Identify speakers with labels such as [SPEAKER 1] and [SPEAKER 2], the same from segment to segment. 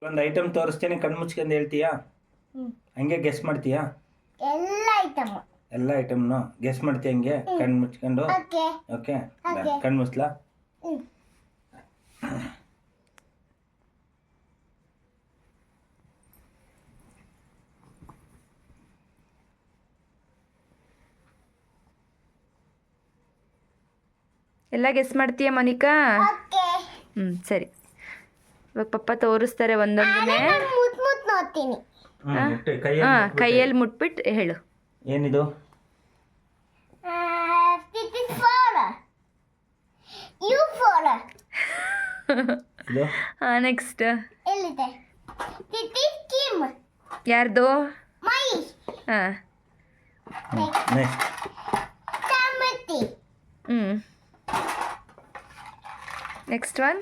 [SPEAKER 1] ಒಂದು ಐಟಮ್ ತೋರಿಸ್ತೀನಿ, ಕಣ್ಣು ಮುಚ್ಕೊಂಡು ಹೇಳ್ತೀಯಾ? ಹಂಗೆ ಗೆಸ್ ಮಾಡ್ತೀಯಾ? ಎಲ್ಲ ಐಟಮ್ನು ಗೆಸ್ ಮಾಡ್ತೀಯ ಹಂಗೆ ಕಣ್ಣು ಮುಚ್ಕೊಂಡು? ಓಕೆ, ಕಣ್ಣು ಮುಚ್ಲಾ?
[SPEAKER 2] ಎಲ್ಲ ಗೆಸ್ ಮಾಡ್ತೀಯ ಮೋನಿಕಾ? ಸರಿ. ಇವಾಗ ಪಪ್ಪ ತೋರಿಸ್ತಾರೆ ಒಂದೊಂದನ್ನೇ. ಕೈಯಲ್ಲಿ ಮುಟ್ಬಿಟ್ಟು ಹೇಳು.
[SPEAKER 1] ಏನಿದು?
[SPEAKER 2] ನೆಕ್ಸ್ಟ್ ಯಾರ್ದು? ಹಾಂ, ನೆಕ್ಸ್ಟ್ ಒನ್.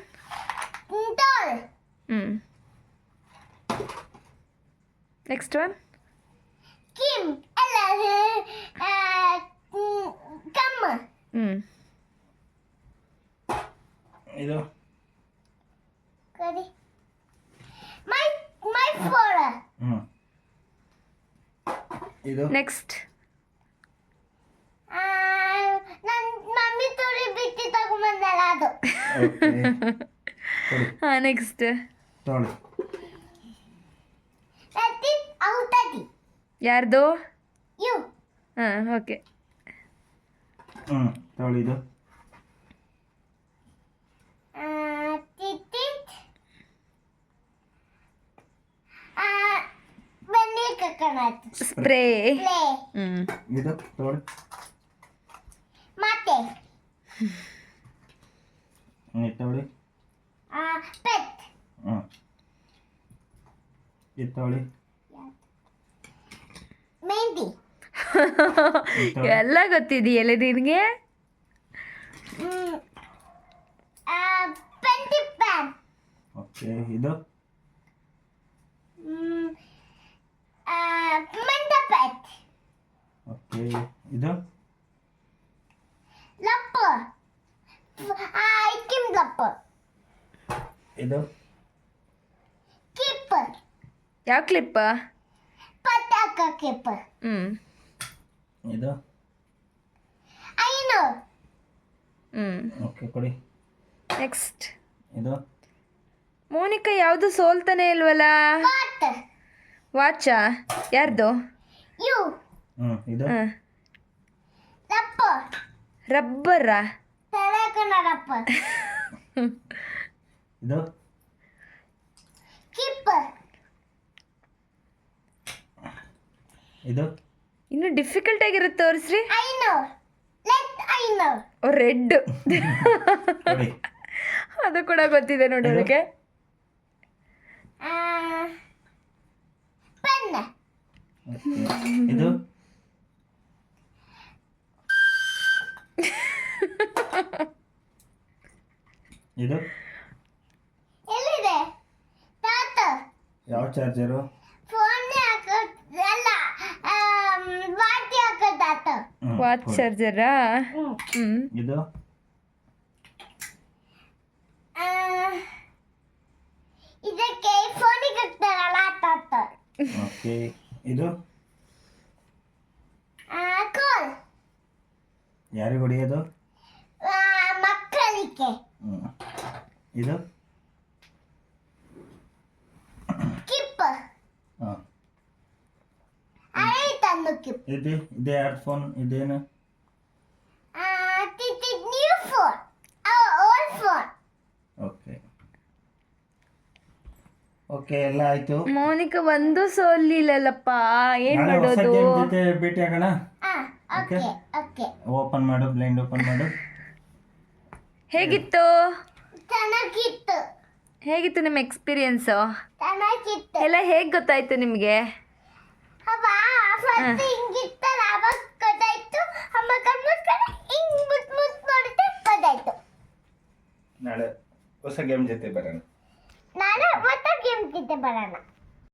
[SPEAKER 2] Next one.
[SPEAKER 1] ಇದು ಇದು
[SPEAKER 2] ನೆಕ್ಸ್ಟ್. ನೆಕ್ಸ್ಟ್
[SPEAKER 1] ತೊಳಿ.
[SPEAKER 2] ಯಾರ್ದು? ಹಾಂ, ಓಕೆ.
[SPEAKER 1] ತೊಳಿ. ಇದು
[SPEAKER 2] ಸ್ಪ್ರೇ.
[SPEAKER 1] ಇದು ತೊಳಿ. ತೊಳಿ. ಇದು ತೊಳಿ.
[SPEAKER 2] ಎಲ್ಲ ಗೊತ್ತಿದೆಯಲ್ಲ ನಿನಗೆ?
[SPEAKER 1] ಓಕೆ, ಇದು ಓಕೆ. ಇದು ಇದು
[SPEAKER 2] ಯಾವ ಕ್ಲಿಪ್?
[SPEAKER 1] ಇದು ಓಕೆ, ಕೊಡಿ.
[SPEAKER 2] ನೆಕ್ಸ್ಟ್.
[SPEAKER 1] ಇದು
[SPEAKER 2] ಮೋನಿಕಾ ಯಾವುದು ಸೋಲ್ತಾನೆ ಇಲ್ವಲ್ಲ? ವಾಚಾ? ಯಾರ್ದು?
[SPEAKER 1] ಇದು
[SPEAKER 2] ರಬ್ಬರಾ?
[SPEAKER 1] ಇದು ಇದು
[SPEAKER 2] ಇನ್ನು ಡಿಫಿಕಲ್ಟ್ ಆಗಿರುತ್ತೆ, ತೋರಿಸ್ರಿ. ರೆಡ್. ಅದು ಕೂಡ ಗೊತ್ತಿದೆ ನೋಡಿ ಅವಳಿಗೆ.
[SPEAKER 1] ಇದು ಇದು ಯಾವ ಚಾರ್ಜರು?
[SPEAKER 2] ವಾಚ್ ಚಾರ್ಜರಾ?
[SPEAKER 1] ಇದು
[SPEAKER 3] ಇದಕ್ಕೆ ಫೋನಿಗೆ ಹಾಕ್ತಾರಲ್ಲ ತಾತ.
[SPEAKER 1] ಓಕೆ, ಇದು
[SPEAKER 3] ಕೋಲ್.
[SPEAKER 1] ಯಾರಿಗೆ ಹೊಡೆಯೋದು?
[SPEAKER 3] ಮಕ್ಕಳಿಗೆ.
[SPEAKER 1] ಇದು
[SPEAKER 3] ಕಿಪ್. ಆಯ್ತಂದು ಕಿಪ್.
[SPEAKER 1] ಇದು ಯಾರ ಫೋನ್? ಇದೇನು?
[SPEAKER 3] New phone, old phone.
[SPEAKER 1] Okay okay, ಎಲ್ಲ ಆಯ್ತು.
[SPEAKER 2] ಮೋನಿಕಾ ಒಂದು ಸೋಲಿಲ್ಲಲ್ಲಪ್ಪ, ಏನ್ ಮಾಡೋದು?
[SPEAKER 1] ಜೊತೆ ಭೇಟಿ ಆಗೋಣ. ಓಪನ್ ಮಾಡು, ಬ್ಲೈಂಡ್ ಓಪನ್ ಮಾಡು.
[SPEAKER 2] ಹೇಗಿತ್ತು?
[SPEAKER 3] ಚೆನ್ನಾಗಿತ್ತು.
[SPEAKER 2] ಹೇಗಿತ್ತು ನಿಮ್ಮ ಎಕ್ಸ್ಪೀರಿಯನ್ಸು?
[SPEAKER 3] ಚೆನ್ನಾಗಿತ್ತು.
[SPEAKER 2] ಎಲ್ಲ ಹೇಗೆ ಗೊತ್ತಾಯ್ತು ನಿಮಗೆ?
[SPEAKER 3] ಹಿಂಗಿತ್ತಲ್ಲ, ಅವಾಗ ಗೊತ್ತಾಯ್ತು. ಅಮ್ಮ ಕಣ್ಮುಚ್ಕೊಂಡು ಹಿಂಗ್ ಮುತ್ ನೋಡಿದ್ರೆ ಗೊತ್ತಾಯ್ತು.
[SPEAKER 1] ನಾಳೆ ಹೊಸ ಗೇಮ್ ಜೊತೆ ಬರೋಣ.
[SPEAKER 3] ನಾಳೆ ಮತ್ತೆ ಗೇಮ್ ಜೊತೆ ಬರೋಣ.